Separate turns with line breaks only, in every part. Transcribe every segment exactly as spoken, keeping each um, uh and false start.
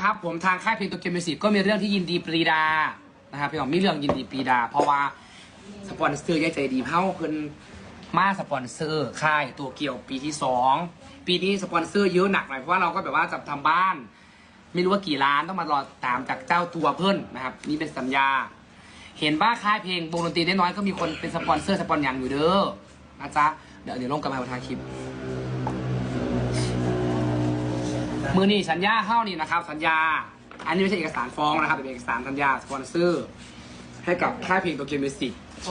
นะครับผมทางค่ายเพลงตัวเกมมิวสิกก็มีเรื่องที่ยินดีปรีดานะครับพี่น้องมีเรื่องยินดีปรีดา เพราะว่าสปอนเซอร์ใหญ่ใจดีเฮ้าเพิ่นมาสปอนเซอร์ค่ายตัวเกี่ยวปีที่สองปีนี้สปอนเซอร์เยอะหนักหน่อยเพราะว่าเราก็แบบว่าจะทำบ้าน ไม่รู้ว่ากี่ล้านต้องมารอตามจากเจ้าตัวเพิ่นนะครับนี่เป็นสัญญาเห็นว่าค่ายเพลงวงดนตรีได้น้อยก็มีคนเป็นสปอนเซอร์สปอนอย่างอยู่เด้อนะจ๊ะเดี๋ยวเดี๋ยวลงกันมาบนทางคลิปมือนี่สัญญาเข้านี่นะครับสัญญาอันนี้ไม่ใช่เอกสารฟ้องนะครับเป็นเอกสารสัญญาสปอนเซอร์ให้กับค่ายเพลงตัวเกมมิวสิก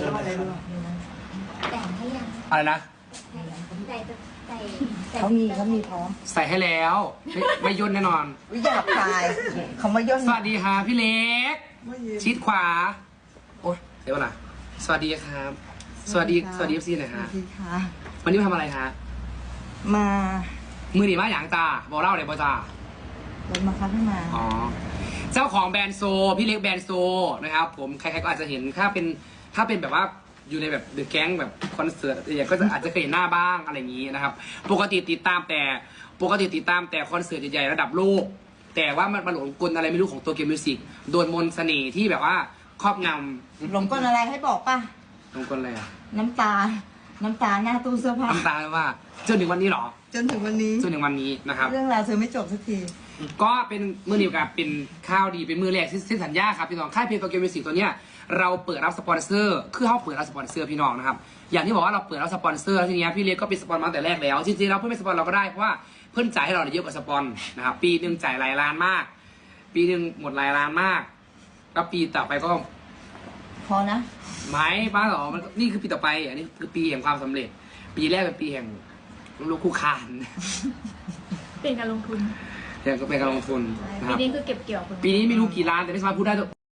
แต่งให้ยัง
อะไรนะ
ใส่ใส่ใส่
เขามีเขามีพร้อม
ใส่ให้แล้วไม่ไม่ย่นแน่นอน
วิหยาบคายเขามาย่น
สวัสดีค่ะพี่เล็กชิดขวาโอ๊ยเดี๋ยวก่อนนะสวัสดีครับ สวัสดีสวัสดีเอฟซีหน่อย
ส
ฮะ
วัสดีค่ะ
วันนี้มาทำอะไรฮะ
มา
มือหนีมาอย่างตาบอกเล่าเลยบอจ้า
รถมาคับให้มา
อ๋อเจ้าของแบรนด์โซพี่เล็กแบรนด์โซนะครับผมใครๆก็อาจจะเห็นถ้าเป็นถ้าเป็นแบบว่าอยู่ในแบบเดอะแก๊งแบบคอนเสิร์ตอย่างก็จะอาจจะเคยเห็นหน้าบ้างอะไรอย่างนี้นะครับปกติติดตามแต่ปกติติดตามแต่คอนเสิร์ตใหญ่ๆระดับโลกแต่ว่ามันมาหลงกลอะไรไม่รู้ของตัวเกมมิวสิกโดนมนต์เสน่ห์ที่แบบว่าครอบงำ
หลงกลอะไรให้บอกป่ะ
หลงกลอะไรอะ
น้ำตา น้ำตาหน้าตู้เสื้อผ้า
น้ำตาว่าจนถึงวันนี้เหรอ
จนถึงวันนี้
จนถึงวันนี้นะครับ
เรื่องราวเธอไม่จบสักที
ก็เป็นมือเดียวกับเป็นข้าวดีเป็นมือแรกที่สัญญาครับพี่น้องค่ายเพลงตัวเกมมิวสิกตัวเนี้ยเราเปิดรับสปอนเซอร์คือเขาเปิดรับสปอนเซอร์พี่น้องนะครับอย่างที่บอกว่าเราเปิดรับสปอนเซอร์ทีนี้พี่เล็กก็เป็นสปอนมาตั้งแต่แรกแล้วจริงๆเราเพื่อนเป็นสปอนเราก็ได้เพราะว่าเพื่อนจ่ายให้เราเยอะกว่าสปอนนะครับปีหนึ่งจ่ายหลายล้านมาก ปีหนึ่งหมดหลายล้านมากแล้วปีต่อไปก็
พอนะ
ไม้ป้าหรอมันนี่คือปีต่อไปอันนี้คือปีแห่งความสำเร็จ ปีแรกเป็นปีแห่งลูกคู่คาน
เป็นการลงทุน
แห่งก็เป็นการลงทุนนะค
ปี
รับ
นี้คือเก็บเกี่ยวผล
ปีนี้ไม่รู้กี่ล้านแต่ไม่สามารถพูดได้